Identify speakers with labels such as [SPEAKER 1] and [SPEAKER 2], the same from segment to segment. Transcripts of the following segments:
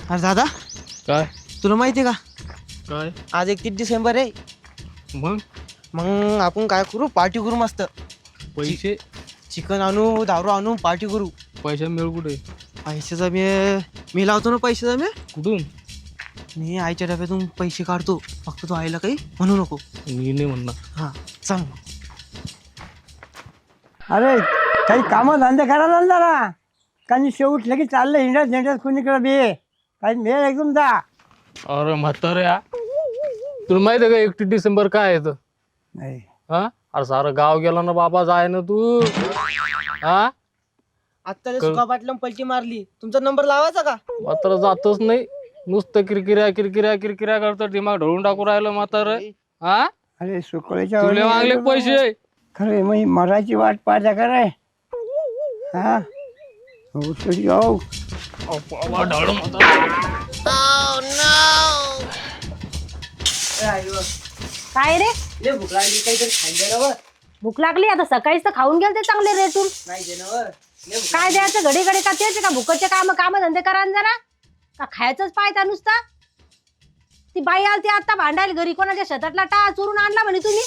[SPEAKER 1] अरे दादा,
[SPEAKER 2] काय
[SPEAKER 1] तुला माहिती आहे का
[SPEAKER 2] काय
[SPEAKER 1] आज 31 डिसेंबर आहे.
[SPEAKER 2] मग
[SPEAKER 1] मग आपण काय करू, पार्टी करू मस्त.
[SPEAKER 2] पैसे
[SPEAKER 1] चिकन आणू, दारू आणू, पार्टी करू.
[SPEAKER 2] पैसे मिळू कुठे
[SPEAKER 1] पैशाचा मी लावतो ना, पैशाचा
[SPEAKER 2] कुठून
[SPEAKER 1] मी आईच्या डब्यातून पैसे काढतो. फक्त तू आईला काही म्हणू नको.
[SPEAKER 2] मी नाही म्हणणार.
[SPEAKER 1] हा सांग.
[SPEAKER 3] अरे काही कामं धंदे करायला ना जरा. काही शेवट लगेच चाललं हिंडत कुणीकडे बी काही मेळ एकदम जा.
[SPEAKER 2] अरे म्हाताऱ्या, तुला माहिती आहे का 31 डिसेंबर काय आहे
[SPEAKER 3] नाही
[SPEAKER 2] हा? अरे सारं गाव गेला ना बाबा, जाय ना तू. हा
[SPEAKER 1] आत्ता सुका पाटलं पलटी मारली. तुमचा नंबर लावायचा का?
[SPEAKER 2] म्हातारा जातच नाही, नुसतं किरकिऱ्या करतं, दिमाग ढळून टाकू राहिलं म्हातारं. हा
[SPEAKER 3] अरे सुकळीच्या
[SPEAKER 2] तुले मागले पैसे.
[SPEAKER 3] खरे मग मराठी वाट पाहता करे. हा हो तुझी हो.
[SPEAKER 4] काय रे,
[SPEAKER 1] लय भूक लागली, काहीतरी खायला द्या ना.
[SPEAKER 4] भूक लागली आता? सकाळीच तर खाऊन गेलते चांगले रेटून.
[SPEAKER 1] नाही दे ना.
[SPEAKER 4] काय द्यायचं घडी घडी? का तेच का भुकचे काम धंदे करा न जरा. का खायचंच पाहिजे नुसता? ती बाई आलती आता भांडायला घरी, कोणाच्या शेतातला टा चोरून आणला म्हणे तुम्ही.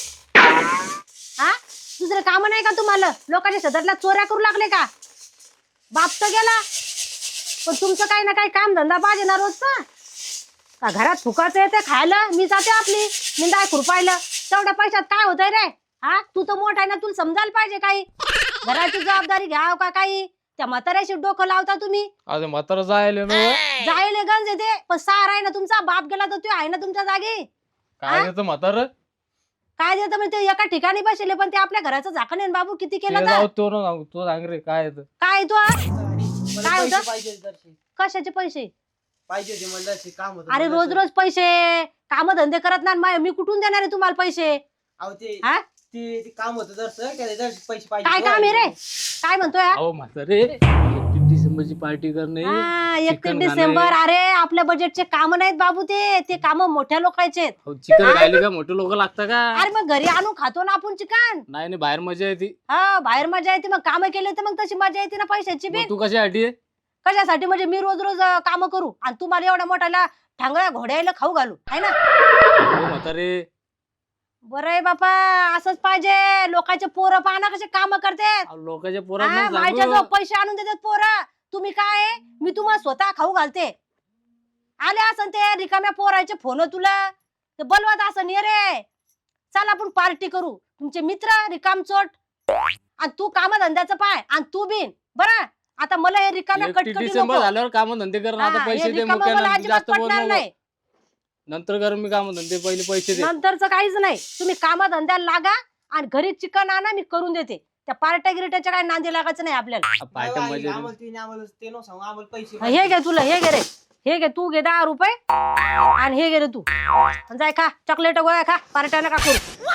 [SPEAKER 4] हा, दुसरे काम नाही का तुम्हाला? लोकांच्या शेतातला चोऱ्या करू लागले का? बाप तर गेला, पण तुमचं काही ना काही काम धंदा पाहिजे ना रोजचा. का घरात फुकाचं येते खायला, मी जाते आपली निंदाय खुरपायला. तेवढ्या पैशात काय होतंय रे? हा, तू तर मोठा आहे ना, तुला समजायला पाहिजे काही. घराची जबाबदारी घ्याव का काही? त्या म्हाताऱ्याशी डोकं लावता तुम्ही.
[SPEAKER 2] अरे म्हातारा जायला ना.
[SPEAKER 4] जायले गंज येते, पण सार आहे ना तुमचा. बाप गेला तर तू आहे ना तुमच्या जागी.
[SPEAKER 2] काय देतं म्हातारं?
[SPEAKER 4] काय देतं म्हणजे ते एका ठिकाणी बसले, पण ते आपल्या घराचं झाकण आहे ना बाबू. किती केलं तर
[SPEAKER 2] तो सांग रे काय येतं.
[SPEAKER 4] काय तू
[SPEAKER 1] मला
[SPEAKER 4] काय
[SPEAKER 1] पैसे
[SPEAKER 4] होतं?
[SPEAKER 1] पाहिजे जराशे.
[SPEAKER 4] कशाचे पैसे?
[SPEAKER 1] पाहिजे होते मला जराशे, काम होतं.
[SPEAKER 4] अरे रोज रोज पैसे काम धंदे करत नाही, मी कुठून देणार आहे तुम्हाला पैसे?
[SPEAKER 1] अहो ते
[SPEAKER 4] हा,
[SPEAKER 1] ते काम होतं जरासं पैसे पाहिजे.
[SPEAKER 4] काय काम आहे रे? काय म्हणतोय हा?
[SPEAKER 2] अहो म्हातारे, 31 डिसेंबरची पार्टी करणे.
[SPEAKER 4] हा, 31
[SPEAKER 2] चिकन
[SPEAKER 4] डिसेंबर. अरे आपल्या बजेटचे काम नाहीत बाबू, ते काम मोठ्या लोकांचे आहेत.
[SPEAKER 2] चिकन खायला का मोठे लोक लागतं का?
[SPEAKER 4] अरे मग घरी आणून खातो ना आपण चिकन.
[SPEAKER 2] नाही नाही, बाहेर मजा येते.
[SPEAKER 4] हा, बाहेर मजा येते. मग काम केले तर मग तशी मजा येते ना पैशाची बी.
[SPEAKER 2] मग तू कशासाठी आहे?
[SPEAKER 4] कशासाठी म्हणजे मी रोज रोज काम करू आणि तुम्हाला एवढ्या मोठ्याला ठांगळ्या घोड्याला खाऊ घालू, आहे ना?
[SPEAKER 2] अहो म्हातारे,
[SPEAKER 4] बरं आहे बापा, असंच पाहिजे. लोकांचे पोरं पाहना कसे काम करतात.
[SPEAKER 2] अहो, लोकांच्या
[SPEAKER 4] हा,
[SPEAKER 2] पोरांना
[SPEAKER 4] माझ्या
[SPEAKER 2] सांगू.
[SPEAKER 4] जो पैसे आणून देतात पोरं. तुम्ही काय आहे? मी तुम्हाला स्वतः खाऊ घालते. आले असं ते रिकाम्या पोराचे फोन तुला ते बोलवत असं ये रे, चल आपण पार्टी करू. तुमचे मित्र रिकामचोट आणि तू कामधंद्याचं पाय आणि तू बिन बरं. आता मला हे रिकाम्या
[SPEAKER 2] 31
[SPEAKER 4] कटकटी
[SPEAKER 2] डिसेंबर
[SPEAKER 4] नको.
[SPEAKER 2] झाल्यावर काम धंदे कर ना. आता
[SPEAKER 4] हा, हे
[SPEAKER 2] पैसे दे
[SPEAKER 4] रिकामं मला
[SPEAKER 2] मुख्यानं,
[SPEAKER 4] अजिबात
[SPEAKER 2] जास्त बोल
[SPEAKER 4] पटणार
[SPEAKER 2] नको.
[SPEAKER 4] नाही.
[SPEAKER 2] नंतर कर मी काम धंदे, पहिले पैसे दे.
[SPEAKER 4] नंतरच काहीच नाही. तुम्ही कामधंद्याला लागा आणि घरी चिकन आणा, मी करून देते. त्या पार्ट्या गिरट्याच्या काय नांदी लागायचं नाही आपल्याला.
[SPEAKER 2] पार्ट्या मजा येते.
[SPEAKER 1] आम्हाला ते नो सांगू, आम्हाला पैसे
[SPEAKER 4] हे घे तुला, हे घे रे, हे घे तू, घे 10 रुपये आणि हे घे रे तू. आणि जाय खा चॉकलेट गोळ्या खा, पार्ट्या नका करू.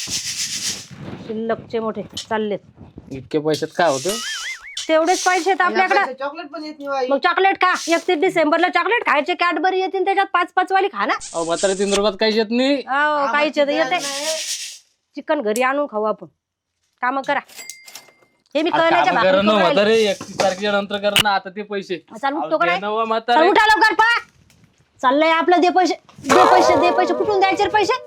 [SPEAKER 4] शिल्लकचे मोठे चाललेत.
[SPEAKER 2] इतके पैशात काय होतं?
[SPEAKER 4] तेवढेच पैसे आहेत आपल्याकडे.
[SPEAKER 1] चॉकलेट पण येत नाही.
[SPEAKER 4] मग चॉकलेट खा. 31 डिसेंबरला चॉकलेट खायचे. कॅडबरी येतील त्याच्यात 5-5 वाली खा ना.
[SPEAKER 2] अहो म्हातारे, 3 रुपयात काहीच येत नाही.
[SPEAKER 4] हो, काहीच येते. चिकन घरी आणून खाऊ आपण. काम करा. हे मी कळल्याच्या
[SPEAKER 2] काम
[SPEAKER 4] भाकरी
[SPEAKER 2] करा ना
[SPEAKER 4] करून राहिली.
[SPEAKER 2] म्हातारे, 31 तारखेच्या नंतर कर ना. आता ते पैसे
[SPEAKER 4] चाल उठतो का
[SPEAKER 2] अहो,
[SPEAKER 4] नाही?
[SPEAKER 2] दे ना वा
[SPEAKER 4] चल
[SPEAKER 2] म्हातारे.
[SPEAKER 4] उठा लवकर, पळा. चाललंय आपलं. दे पैसे, दे पैसे, दे पैसे. कुठून द्यायचे रे पैसे?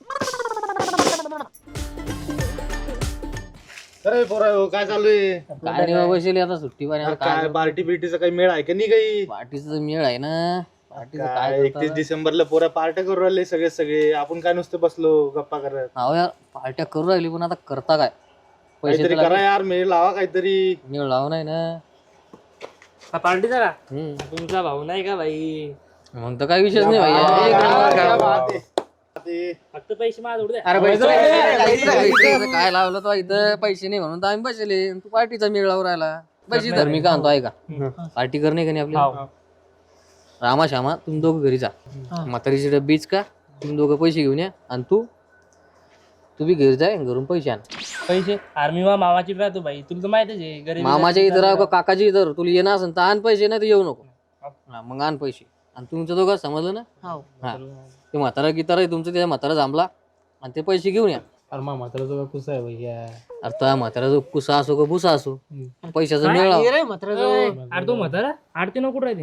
[SPEAKER 5] अरे पोरा काय चालू आहे?
[SPEAKER 6] काय नाही बाबा, बसले आता सुट्टी पाणी. आता
[SPEAKER 5] काय
[SPEAKER 6] काय
[SPEAKER 5] पार्टी बिर्टीचा काही मेळ आहे का नाही काही?
[SPEAKER 6] पार्टीचा मेळ आहे ना. पार्टीचं
[SPEAKER 5] काय
[SPEAKER 6] काय
[SPEAKER 5] 31 डिसेंबरला पोरा पार्ट्या करू राहिले सगळे. आपण काय नुसतं बसलो गप्पा करत.
[SPEAKER 6] अहो यार, पार्ट्या करू राहिली पण आता करता काय? पैसे
[SPEAKER 5] काहीतरी करा यार, मेळ लावा काहीतरी.
[SPEAKER 6] मेळ लावू नाही ना.
[SPEAKER 7] पार्टीचा का
[SPEAKER 6] हम्म.
[SPEAKER 7] तुमचा भाऊ नाही का भाई?
[SPEAKER 6] मग तर काही विषयच नाही भैया. एक नंबर काम.
[SPEAKER 7] फक्त पैसे माझ उडू द्या.
[SPEAKER 6] अरे पैसे काय लावलं तो इथं? पैसे नाही म्हणून तर आम्ही बसले. तू पार्टीचा मेळ लावून राहिला. पैसे तर मी का आणतो आहे का? पार्टी करणे का नाही आपल्याला? रामा श्यामा तुम्ही दोघं घरी जा. म्हातारीची डब्बीच का तुम्ही दोघं पैसे घेऊन या. आणि तू बी घरी जाय, घरून पैसे आण.
[SPEAKER 7] पैसे आर्मी वा मामाची राहतो भाई, तुला तर माहितच आहे. गरीब
[SPEAKER 6] मामाच्या इथं राह का काकाच्या इथं, तुला येणार असेल तर आण पैसे, नाही तर येऊ नको. हा, मग आण पैसे. आणि तुमचं दोघं समजलं ना? हा, ते म्हातारा गितारा आहे तुमचं, त्याच्या म्हातारा जांभला आणि ते पैसे घेऊन या.
[SPEAKER 2] अरे मा म्हातारा जो कुसा आहे भैया.
[SPEAKER 6] अरे त्या म्हातारा जो कुसा असो का भुसा असो, पैशाचा मेळ लाव.
[SPEAKER 7] अरे तो म्हातारा आरती नको राहते.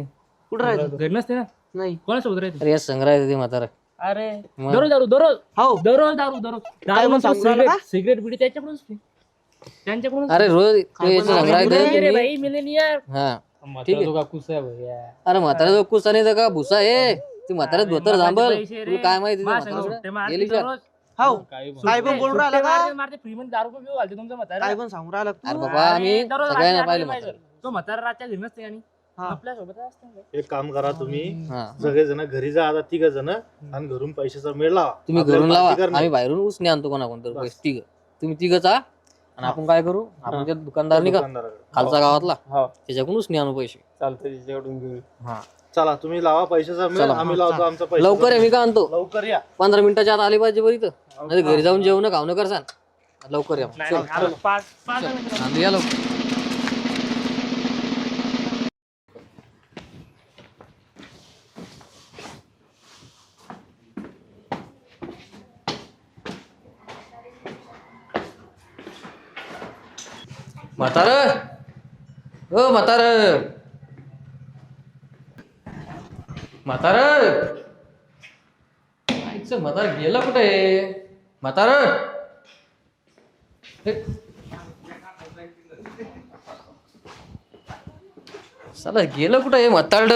[SPEAKER 1] कुठं राहतो?
[SPEAKER 7] घरी नसते ना
[SPEAKER 1] नाही.
[SPEAKER 7] कोणासोबत राहते
[SPEAKER 6] अरे या संग्रहालय ते म्हातारा
[SPEAKER 7] अरे
[SPEAKER 6] मग?
[SPEAKER 7] दररोज दारू दररोज
[SPEAKER 1] हो
[SPEAKER 7] दररोज दारू दररोज
[SPEAKER 1] काय म्हणून सांगू राहिला का?
[SPEAKER 7] सिगरेट बिडी त्याच्याकडूनच पी. त्यांच्याकडून
[SPEAKER 6] अरे रोज तो याचं संग्रहालय
[SPEAKER 7] रे
[SPEAKER 6] तुम्ही
[SPEAKER 7] भाई मिलेनियर
[SPEAKER 6] हा
[SPEAKER 2] ठीक आहे का कुस आहे भैया
[SPEAKER 6] अरे म्हातारा जो कुसा नाही तर का भुसा आहे ती म्हातारा धोतर जांभल तुला काय माहिती त्या म्हाताऱ्याचं? गेली का?
[SPEAKER 1] हो
[SPEAKER 2] काही पण.
[SPEAKER 1] काय पण बोलून राहिला का?
[SPEAKER 7] मारते फ्री मध्ये दारू पिऊ घालते तुमचा म्हातारा
[SPEAKER 1] काय पण सांगू राहिला
[SPEAKER 6] अरे
[SPEAKER 1] तू?
[SPEAKER 6] बाबा आम्ही
[SPEAKER 7] दररोज
[SPEAKER 6] सगळ्यांना
[SPEAKER 7] रात्री
[SPEAKER 6] पाहिलं
[SPEAKER 7] पाहिजे.
[SPEAKER 6] म्हातारा.
[SPEAKER 7] तो म्हातारा रातच्या घरी नसते आणि
[SPEAKER 1] हा.
[SPEAKER 7] आपल्या सोबत असते
[SPEAKER 5] एक काम करा तुम्ही
[SPEAKER 6] हा
[SPEAKER 5] सगळेजण घरी जा आता 3 जण आणि घरून पैशाचा मेळ लावा
[SPEAKER 6] तुम्ही
[SPEAKER 5] आपल्याला
[SPEAKER 6] घरून लावा
[SPEAKER 5] पार्टी करणार.
[SPEAKER 6] आम्ही बाहेरून उसने आणतो कोणाकोणतं पैसे तिघ तुम्ही तिघच आ आणि आपण काय करू आपण त्या दुकानदार नाही का
[SPEAKER 5] दुकानदाराकडे.
[SPEAKER 6] खालचा गावातला
[SPEAKER 2] हो
[SPEAKER 6] त्याच्याकडून उसने आणू पैसे
[SPEAKER 2] चालतंय तिच्याकडून घेऊ
[SPEAKER 6] हा
[SPEAKER 5] चला तुम्ही लावा पैशाचा मेळ
[SPEAKER 6] चला.
[SPEAKER 5] आम्ही लावतो आमचा पैसा
[SPEAKER 6] लवकर आहे मी काय आणतो
[SPEAKER 5] लवकर या
[SPEAKER 6] 15 मिनिटाच्या आत आले पाहिजे बरं इथं नाही घरी जाऊन जेवण खावणं करसान लवकर या
[SPEAKER 7] नाही, नाही, पाच पाच मिनिटं.
[SPEAKER 6] आणलं या लवकर म्हातार ओ म्हातार म्हातार आईचं म्हातार गेलं कुठे म्हातार साला गेलं कुठं आहे म्हातारड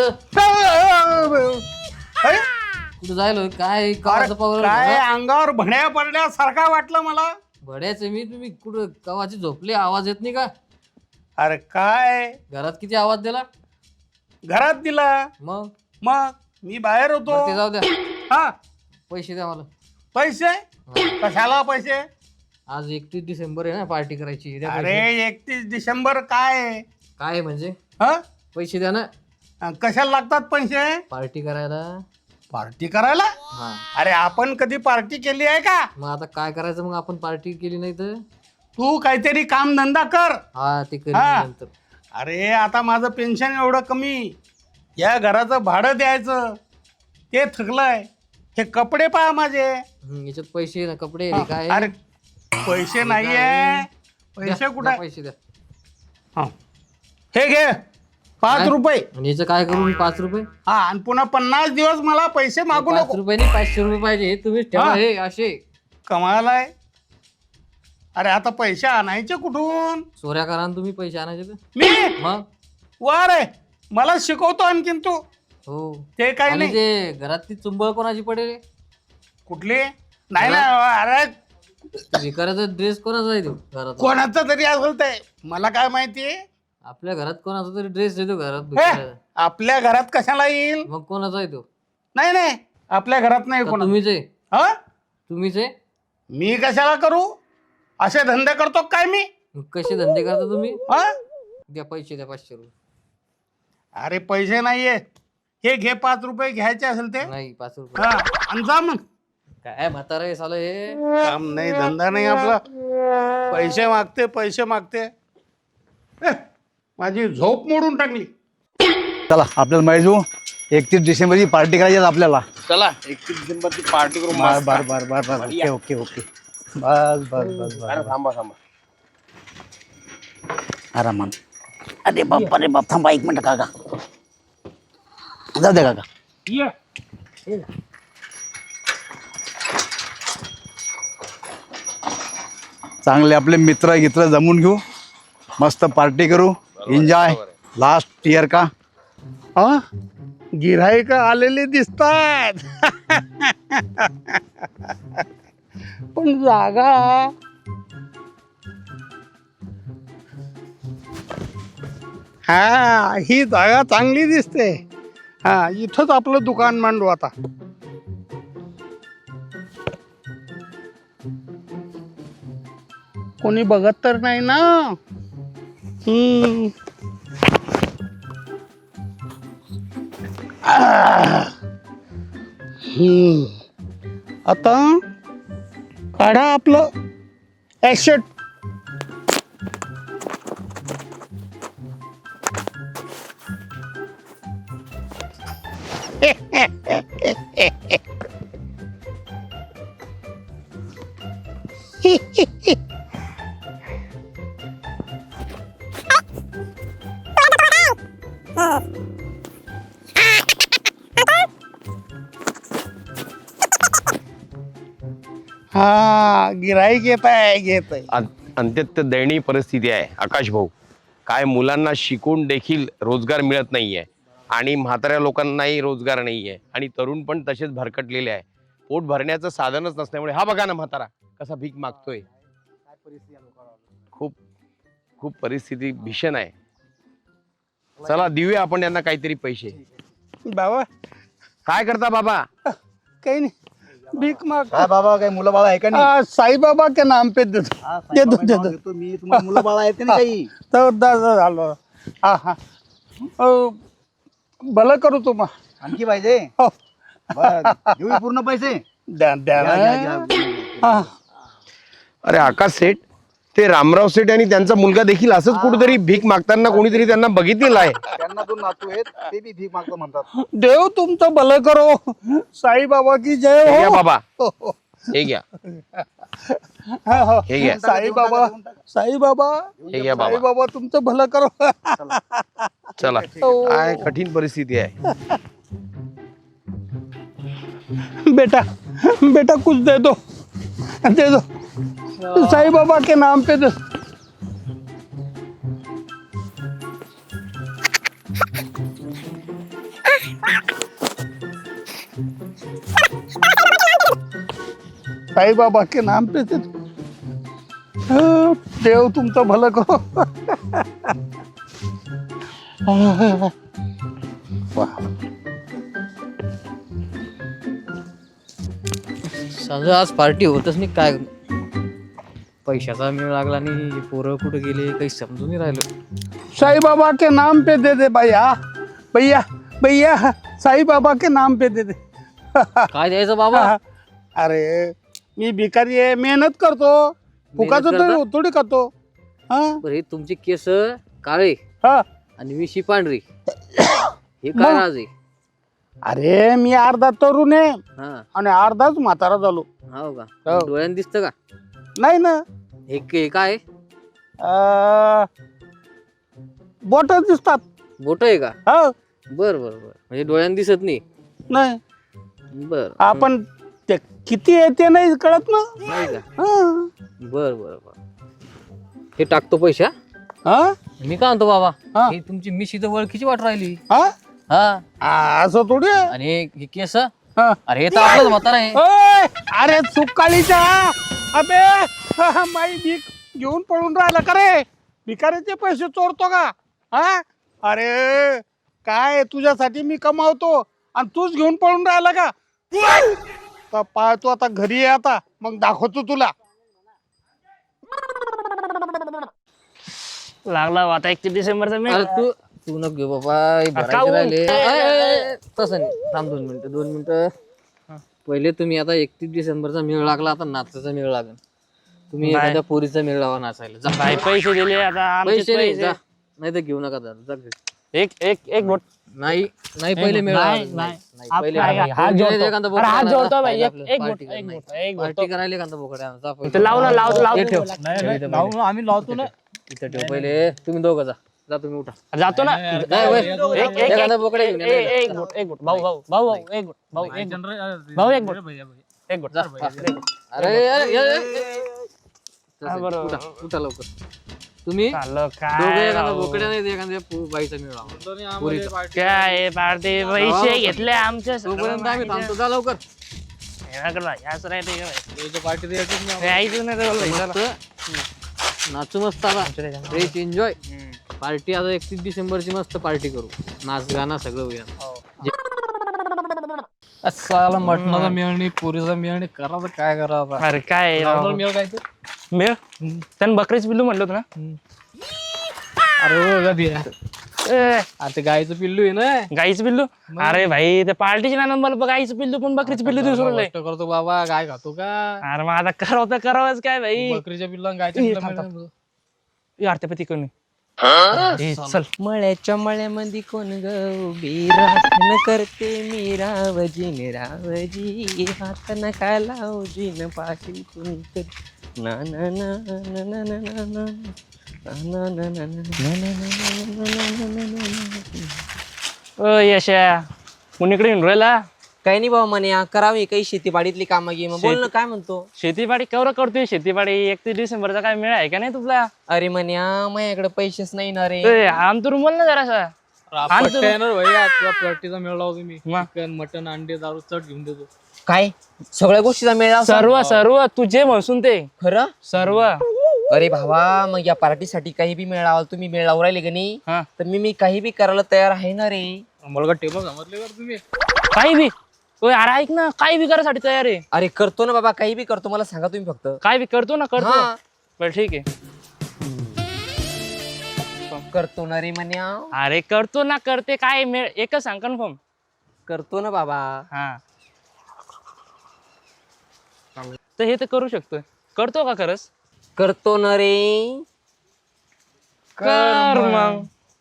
[SPEAKER 6] कुठं जायलो काय कावाचं पावर
[SPEAKER 8] काय अंगावर भण्या पडल्यासारखा वाटलं मला.
[SPEAKER 6] भड्याचे मी तुम्ही कुठं कवाची झोपले आवाज येत नाही का
[SPEAKER 8] अरे काय
[SPEAKER 6] घरात किती आवाज दिला
[SPEAKER 8] घरात दिला
[SPEAKER 6] मग
[SPEAKER 8] मग मी बाहेर
[SPEAKER 6] बरं ते
[SPEAKER 8] होतो.
[SPEAKER 6] जाऊ द्या
[SPEAKER 8] हा
[SPEAKER 6] पैसे द्या मला
[SPEAKER 8] पैसे कशाला पैसे?
[SPEAKER 6] आज 31 डिसेंबर आहे ना पार्टी करायची द्या
[SPEAKER 8] अरे
[SPEAKER 6] पैसे.
[SPEAKER 8] 31 डिसेंबर काय
[SPEAKER 6] काय म्हणजे
[SPEAKER 8] हा
[SPEAKER 6] पैसे द्या ना
[SPEAKER 8] कशाला लागतात पैसे?
[SPEAKER 6] पार्टी करायला
[SPEAKER 8] पार्टी करायला?
[SPEAKER 6] हा
[SPEAKER 8] अरे आपण कधी पार्टी केली आहे का?
[SPEAKER 6] मग आता काय करायचं मग आपण पार्टी केली नाही तर
[SPEAKER 8] तू काहीतरी काम धंदा कर.
[SPEAKER 6] हा ते करीन
[SPEAKER 8] हा.
[SPEAKER 6] मी नंतर
[SPEAKER 8] अरे आता माझं पेन्शन एवढं कमी, या घराचं भाडं द्यायचं ते थकलंय. हे कपडे पहा माझे.
[SPEAKER 6] याच्यात पैसे ना कपडे
[SPEAKER 8] हा,
[SPEAKER 6] काय
[SPEAKER 8] अरे पैसे नाहीये. पैसे
[SPEAKER 6] द्या,
[SPEAKER 8] कुठे?
[SPEAKER 6] द्या पैसे द्या
[SPEAKER 8] हा. हे घे 5
[SPEAKER 6] काय?
[SPEAKER 8] रुपये.
[SPEAKER 6] आणि याचं काय करू मी 5 रुपये
[SPEAKER 8] हा आणि पुन्हा 50 दिवस मला पैसे मागू
[SPEAKER 6] 5
[SPEAKER 8] नको.
[SPEAKER 6] रुपये नाही 500 रुपये पाहिजे हे तुम्हीच ठेवा
[SPEAKER 8] हा.
[SPEAKER 6] हे असे
[SPEAKER 8] कमाल आहे. अरे आता पैसे आणायचे कुठून?
[SPEAKER 6] चोऱ्या करा ना तुम्ही पैसे आणायचे तर
[SPEAKER 8] मी
[SPEAKER 6] मग
[SPEAKER 8] वा रे मला शिकवतो आणखीन तू.
[SPEAKER 6] हो
[SPEAKER 8] ते काही
[SPEAKER 6] आणि
[SPEAKER 8] नाही.
[SPEAKER 6] ते घरात ती चुंबळ कोणाची पडेल
[SPEAKER 8] कुठली नाही ना. अरे
[SPEAKER 6] भिकाराचा ड्रेस कोणाचा आहे तो घरात
[SPEAKER 8] कोणाचा तरी असेल ते मला काय माहिती.
[SPEAKER 6] आपल्या घरात कोणाचा तरी ड्रेस येतो घरात
[SPEAKER 8] हे,
[SPEAKER 6] भिकाराचा.
[SPEAKER 8] आपल्या घरात कशाला येईल?
[SPEAKER 6] मग कोणाचा आहे तो
[SPEAKER 8] नाही नाही आपल्या घरात नाही
[SPEAKER 6] का
[SPEAKER 8] कोणा.
[SPEAKER 6] तुम्हीच आहे
[SPEAKER 8] हा
[SPEAKER 6] तुम्हीच आहे
[SPEAKER 8] मी कशाला करू? असे धंदे करतो काय मी?
[SPEAKER 6] मग कसे धंदे करता तुम्ही
[SPEAKER 8] हा
[SPEAKER 6] द्या पैसे द्या 500 रुपये
[SPEAKER 8] अरे पैसे नाहीये. हे घे 5 रुपये घ्यायचे असेल ते.
[SPEAKER 6] नाही 5 रुपये
[SPEAKER 8] हा आणि जा मग.
[SPEAKER 6] काय म्हातारा आहे सालं हे
[SPEAKER 8] काम नाही धंदा नाही आपला. पैसे मागते पैसे मागते. माझी झोप मोडून टाकली.
[SPEAKER 9] चला आपल्याला माहिती 31 डिसेंबरची पार्टी करायची आहे आपल्याला.
[SPEAKER 8] चला 31 डिसेंबरची पार्टी करू.
[SPEAKER 9] बर ओके ओके ओके बस बस बस बस
[SPEAKER 8] थांबा थांबा.
[SPEAKER 9] आरामान. अरे बाप थांबा 1 मिनिट काका. जाऊ दे काका. चांगले आपले मित्र गित्र जमून घेऊ, मस्त पार्टी करू, एन्जॉय लास्ट इयर का.
[SPEAKER 8] हा गिऱ्हाईक आलेले दिसतात. पण जागा हा ही जागा चांगली दिसते. हा इथंच आपलं दुकान मांडू आता. कोणी बघत तर नाही ना. आता काढा आपलं ॲसेट. हा गिराईक येत आहे
[SPEAKER 10] अत्यंत दयनीय परिस्थिती आहे आकाश भाऊ. काय मुलांना शिकून देखील रोजगार मिळत नाहीये आणि म्हाताऱ्या लोकांनाही रोजगार नाहीये आणि तरुण पण तसेच भरकटलेले आहे. पोट भरण्याचं साधनच नसल्यामुळे हा बघा ना म्हातारा कसा भीक मागतोय. खूप खूप परिस्थिती भीषण आहे. चला देऊया आपण यांना काहीतरी पैसे.
[SPEAKER 8] बाबा
[SPEAKER 10] काय करता बाबा?
[SPEAKER 8] काही नाही, भीक माग.
[SPEAKER 9] काय बाबा काय मुलं बाळा आहे का नाही?
[SPEAKER 8] साईबाबा के नाम पे देतो
[SPEAKER 9] मी तुम्हाला मुलं बाळा आहेत का नाही काही?
[SPEAKER 8] तर झालं. हा हा भलं करू तुम्हा.
[SPEAKER 9] आणखी पाहिजे?
[SPEAKER 8] हो.
[SPEAKER 9] बरं, देऊ पूर्ण पैसे?
[SPEAKER 8] द्या द्या
[SPEAKER 9] घ्या, घ्या,
[SPEAKER 8] ना.
[SPEAKER 9] घ्या.
[SPEAKER 8] हा.
[SPEAKER 10] अरे आकाश सेठ, ते रामराव सेठ आणि त्यांचा मुलगा देखील असंच कुठेतरी भीक मागताना कोणीतरी त्यांना बघितलेलं आहे.
[SPEAKER 9] त्यांना दोन नातू आहेत ते बी भीक मागतो म्हणतात.
[SPEAKER 8] देव तुमचं भलं करो. साईबाबा की जय
[SPEAKER 10] हे घ्या
[SPEAKER 8] हो.
[SPEAKER 10] बाबा, हे घ्या,
[SPEAKER 8] हा, हा.
[SPEAKER 10] हे घ्या.
[SPEAKER 8] साईबाबा साईबाबा
[SPEAKER 10] हे घ्या बाबा.
[SPEAKER 8] साईबाबा तुमचं भलं करो.
[SPEAKER 10] चला, काय कठीण परिस्थिती आहे.
[SPEAKER 8] बेटा बेटा कुछ दे दो साईं बाबा के नाम पे दे. साईं बाबा के नाम पे दे. देव तुमचं भलं करो.
[SPEAKER 6] समजा आज पार्टी होतच नाही. काय पैशाचा मेळ लागला आणि पोरं कुठे गेले काही समजून नाही राहिलं.
[SPEAKER 8] साईं बाबा के नाम पे दे दे भैया भैया भैया साईं बाबा के नाम पे दे दे.
[SPEAKER 6] काय द्यायचं बाबा?
[SPEAKER 8] अरे मी भिकारी आहे, मेहनत करतो, फुकाचं
[SPEAKER 6] करता?
[SPEAKER 8] थोडी खातो. हा
[SPEAKER 6] बरं, हे तुमचे केस काळे
[SPEAKER 8] हा.
[SPEAKER 6] आणि मिशी पांढरी, हे काय
[SPEAKER 8] मग?
[SPEAKER 6] राज आहे?
[SPEAKER 8] अरे मी अर्धा तरुण आहे
[SPEAKER 6] हा,
[SPEAKER 8] आणि अर्धाच म्हातारा झालो.
[SPEAKER 6] हो का?
[SPEAKER 8] हो.
[SPEAKER 6] डोळ्यानं दिसतं का?
[SPEAKER 8] नाही ना,
[SPEAKER 6] हे काय
[SPEAKER 8] बोट दिसतात.
[SPEAKER 6] बोट आहे का?
[SPEAKER 8] हा
[SPEAKER 6] बर बर बर, म्हणजे डोळ्यानं दिसत नाही.
[SPEAKER 8] नाही
[SPEAKER 6] बर,
[SPEAKER 8] आपण ते किती आहे ते नाही कळत ना.
[SPEAKER 6] नाही का?
[SPEAKER 8] हा.
[SPEAKER 6] बर बर बर, हे टाकतो पैसा.
[SPEAKER 8] हा?
[SPEAKER 6] मी काय म्हणतो बाबा,
[SPEAKER 8] हा.
[SPEAKER 6] ही तुमची मिशी तर ओळखीची वाट राहिली.
[SPEAKER 8] हा?
[SPEAKER 6] हा,
[SPEAKER 8] असं थोडी आहे.
[SPEAKER 6] आणि हे केस,
[SPEAKER 8] हा.
[SPEAKER 6] अरे हे तर आपलंच म्हातारा आहे.
[SPEAKER 8] ओय, अरे सुकाळीच्या अबे माई भीक घेऊन पळून राहिला का रे? भिकारीचे पैसे चोरतो का? हा? अरे काय तुझ्यासाठी मी कमावतो आणि तूच घेऊन पळून राहिला का? तर पाहतो आता घरी आहे, आता मग दाखवतो तुला.
[SPEAKER 7] लागला आता 31 डिसेंबरचा मेळ.
[SPEAKER 6] अरे तू नको घेऊ बाबा, हे भरायचे
[SPEAKER 7] काहून?
[SPEAKER 6] राहिले. तसं नाही, थांब 2 मिनिटं. पहिले तुम्ही आता 31 डिसेंबरचा मेळ लागला, आता नाचाचा मेळ लागेल. तुम्ही
[SPEAKER 7] नाही.
[SPEAKER 6] एखाद्या पोरीचा मेळ लावा नाचायला. जा.
[SPEAKER 7] काय पैसे दिले आता आमचे
[SPEAKER 6] पैसे नाही,
[SPEAKER 7] पैसे.
[SPEAKER 6] जा. नाही तर घेऊ नका जा. जा घरी.
[SPEAKER 7] एक बोट.
[SPEAKER 6] नाही नाही, पहिले मेळ
[SPEAKER 7] नाही,
[SPEAKER 6] लावा.
[SPEAKER 7] नाही.
[SPEAKER 6] नाही,
[SPEAKER 7] आप-
[SPEAKER 6] पहिले
[SPEAKER 7] नाही, हात जोडतो.
[SPEAKER 6] एखादा
[SPEAKER 7] अरे हात
[SPEAKER 6] बोकड
[SPEAKER 7] जोडतो
[SPEAKER 6] आणा.
[SPEAKER 7] बाई, एक
[SPEAKER 6] आपलं
[SPEAKER 7] बोट,
[SPEAKER 6] पार्टी
[SPEAKER 7] एक
[SPEAKER 6] नाही.
[SPEAKER 7] बोट, एक बोट.
[SPEAKER 6] पार्टी करायला एखादा बोकड आणा. जा पहिले.
[SPEAKER 7] इथं लाव ना, लाव
[SPEAKER 6] हे ठेव.
[SPEAKER 1] आम्ही लावतो ना.
[SPEAKER 6] इथं ठेव पहिले. तुम्ही दोघं जा. जा तुम्ही उठा.
[SPEAKER 7] जातो ना.
[SPEAKER 6] नाही, वय. एखादा बोकड घेऊन या.
[SPEAKER 7] एक बोट, एक बोट. भाऊ एक बोट, भाऊ एक बोट. भाऊ एक बोट, एक बोट.
[SPEAKER 6] जा. अरे
[SPEAKER 7] हा, बरोबर.
[SPEAKER 6] उठा, उठा लवकर. तुम्ही
[SPEAKER 7] चाललं
[SPEAKER 6] दोघं
[SPEAKER 7] काय
[SPEAKER 6] एखादा
[SPEAKER 7] राव.
[SPEAKER 6] बोकड्या नाही एखाद्या बाईचा मेळ लावा. पोरीचा.
[SPEAKER 7] काय पार्टी पैसे घेतले आमच्या
[SPEAKER 6] तोपर्यंत आम्ही थांबतो. जा लवकर.
[SPEAKER 7] याच राहते यायचं नाही तर बोललो.
[SPEAKER 6] मस्त नाचू मस्त आता. Fresh enjoy party. आता 31 डिसेंबरची मस्त पार्टी करू. नाच गाणं सगळं होईल.
[SPEAKER 2] साला मटणाचा मेळ नाही, पुरीचा मेळ नाही, करायचं काय करावं आता?
[SPEAKER 7] अरे काय राव.
[SPEAKER 2] मेळ काय ते?
[SPEAKER 7] मेळ त्यानं बकरीच पिल्लू म्हटलं होतं ना.
[SPEAKER 2] अरे हो, कधी आहे?
[SPEAKER 7] ए,
[SPEAKER 2] अरे ते गाईचं पिल्लू आहे ना.
[SPEAKER 7] गाईचं पिल्लू. अरे भाई ते पार्टीचे ना नंबर गाईचं पिल्लू पण बकरीचं पिल्लू दिसून
[SPEAKER 2] गोष्ट करतो बाबा, गाय खातो का?
[SPEAKER 7] अरे मग आता करावं तर करावंच काय भाई.
[SPEAKER 2] बकरीच्या पिल्लू आणि गायच्या
[SPEAKER 7] ए,
[SPEAKER 2] पिल्लू
[SPEAKER 7] थांब,
[SPEAKER 2] मिळून.
[SPEAKER 7] आरत्यापती करून चल.
[SPEAKER 6] मळ्याच्या मळ्यामध्ये कोण गौबी राखण करते मी रावजी रावजी हात नका लावजी न पाशी कोणतरी ना ना ना ना ना ना ना ना ना ना ना ना ना ना.
[SPEAKER 7] ओ यशा कुणीकडे येऊन राहिला.
[SPEAKER 6] काही नाही बाबा म्हणे करावी काही शेतीवाडीतली कामं घे मग बोल ना काय म्हणतो.
[SPEAKER 7] शेतीपाडी केवढं करतोय शेतीपाडी 31 डिसेंबरचा काय मेळ आहे का नाही तुला.
[SPEAKER 6] अरे म्हणे माझ्याकडे पैसेच नाही ना रे.
[SPEAKER 7] आमतून बोल ना जरासा.
[SPEAKER 2] पार्टीचा मेळ लावतो मी. चिकन मटन अंडे दारू चट घेऊन देतो.
[SPEAKER 6] काय सगळ्या गोष्टीचा मेळ लावतो?
[SPEAKER 7] सर्व सर्व तू जे म्हणसून ते
[SPEAKER 6] खरं
[SPEAKER 7] सर्व.
[SPEAKER 6] अरे भावा मग या पार्टीसाठी काही बी मेळ लावाल तुम्ही मेळ लावून राहिले का नाही
[SPEAKER 7] हा.
[SPEAKER 6] तर मी काही बी करायला तयार आहे ना रे.
[SPEAKER 2] मला टेबल समजले का तुम्ही.
[SPEAKER 7] काही बी अरे ऐक ना काही बी करायसाठी तयार आहे.
[SPEAKER 6] अरे करतो ना बाबा काही बी करतो मला सांगा तुम्ही फक्त.
[SPEAKER 7] काय बी करतो ना करतो.
[SPEAKER 6] हा.
[SPEAKER 7] बरं ठीक आहे.
[SPEAKER 6] करतो ना रे म्हण्या.
[SPEAKER 7] अरे करतो ना करते काय मेळ एकच सांग कन्फर्म.
[SPEAKER 6] करतो ना बाबा.
[SPEAKER 7] हा तर हे तर करू शकतोय. करतो का खरंच.
[SPEAKER 6] करतो ना रे.
[SPEAKER 7] कर मग.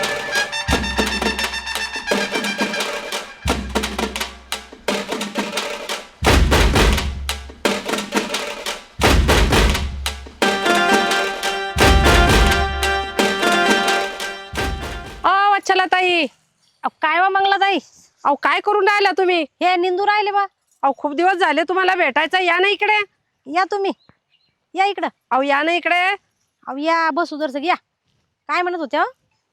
[SPEAKER 4] चला ताई. काय वा मंगला ताई. अहो काय करून राहिला तुम्ही. हे निंदू राहिले बा. अहो खूप दिवस झाले तुम्हाला भेटायचं. या ना इकडे. या तुम्ही या इकडं. अहो या ना इकडे. अहो या बसू जर या. काय म्हणत होत्या.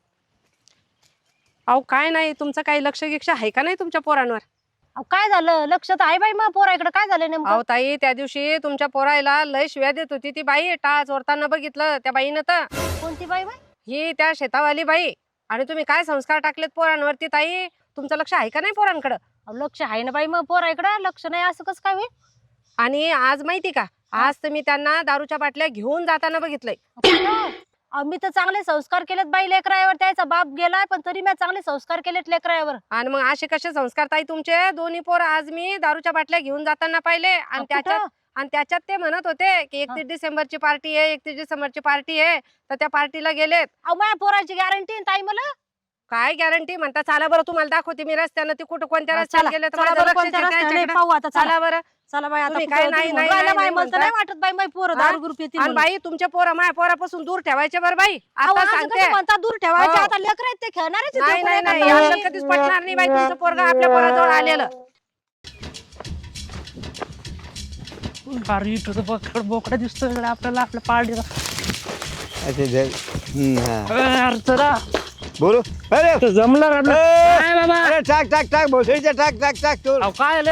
[SPEAKER 4] अहो काय नाही तुमचं काही लक्ष गिक्ष आहे का नाही तुमच्या पोरांवर. अहो काय झालं लक्ष तर आहे बाई मग पोराकडे काय झालं नेमकं. अहो ताई त्या दिवशी तुमच्या पोरायला लय शिव्या देत होती ती बाई. टाळ चोरताना बघितलं त्या बाईनं तर. कोणती बाई बाई. ही त्या शेतावाली बाई. आणि तुम्ही काय संस्कार टाकलेत पोरांवरती ताई. तुमचं लक्ष आहे का नाही पोरांकडं. लक्ष आहे ना बाई मग पोराकडं लक्ष नाही असं कसं काय होईल. आणि आज माहिती का आज तर मी त्यांना दारूच्या बाटल्या घेऊन जाताना बघितलंय. मी तर चांगले संस्कार केलेत बाई लेकरावर. त्याचा बाप गेलाय पण तरी मी चांगले संस्कार केलेत लेकरावर. आणि मग असे कसे संस्कार ताई तुमचे. दोन्ही पोर आज मी दारूच्या बाटल्या घेऊन जाताना पाहिले. आणि त्याच्यात ते म्हणत होते की 31 डिसेंबरची पार्टी आहे 31 डिसेंबरची पार्टी आहे. तर त्या पार्टीला गेलेत. माझ्या पोराची गॅरंटी ताई. मला काय गॅरंटी म्हणता. चला बरं तुम्हाला दाखवते मी रस्त्यानं ते कुठं कोणत्या रस्त्याने गेले. चला बरं चला बाई. आता काय नाही वाटत बाई माझी पोरं दारू ग्रुप येते. बाई तुमच्या पोरं माझ्या पोरापासून दूर ठेवायचे बरं बाई. आता सांगते दूर ठेवायचे. आता लेकर आहेत ते खेळणारच. नाही कधीच पटणार नाही बाई. तुमचं पोरगा आपल्या पोराजवळ आलेलं.
[SPEAKER 7] बोकडा दिसतोय आपल्याला आपल्या पार्टीला.
[SPEAKER 9] बोलो अरे
[SPEAKER 7] जमलं
[SPEAKER 9] अरे टाक टाक टाक भोसडीच्या टाक टाक टाक तू.
[SPEAKER 7] काय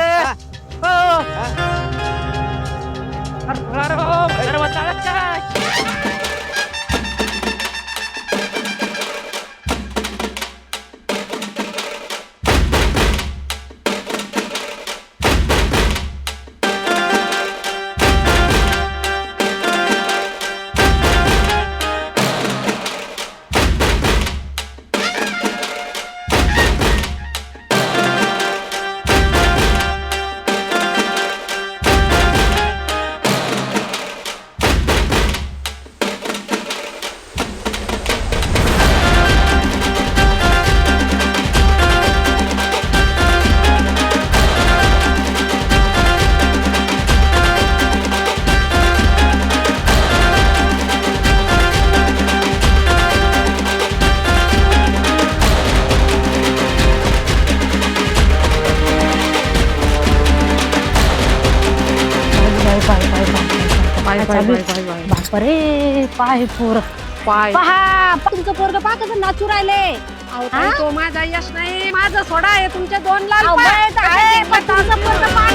[SPEAKER 4] बापरे पाय पोर पाय पहा. तुमचं पोरग पहा कसं नाचू राहिले. तो माझा यश नाही माझा सोडा आहे. तुमच्या 2 लाल पाय. तुमचं पोरग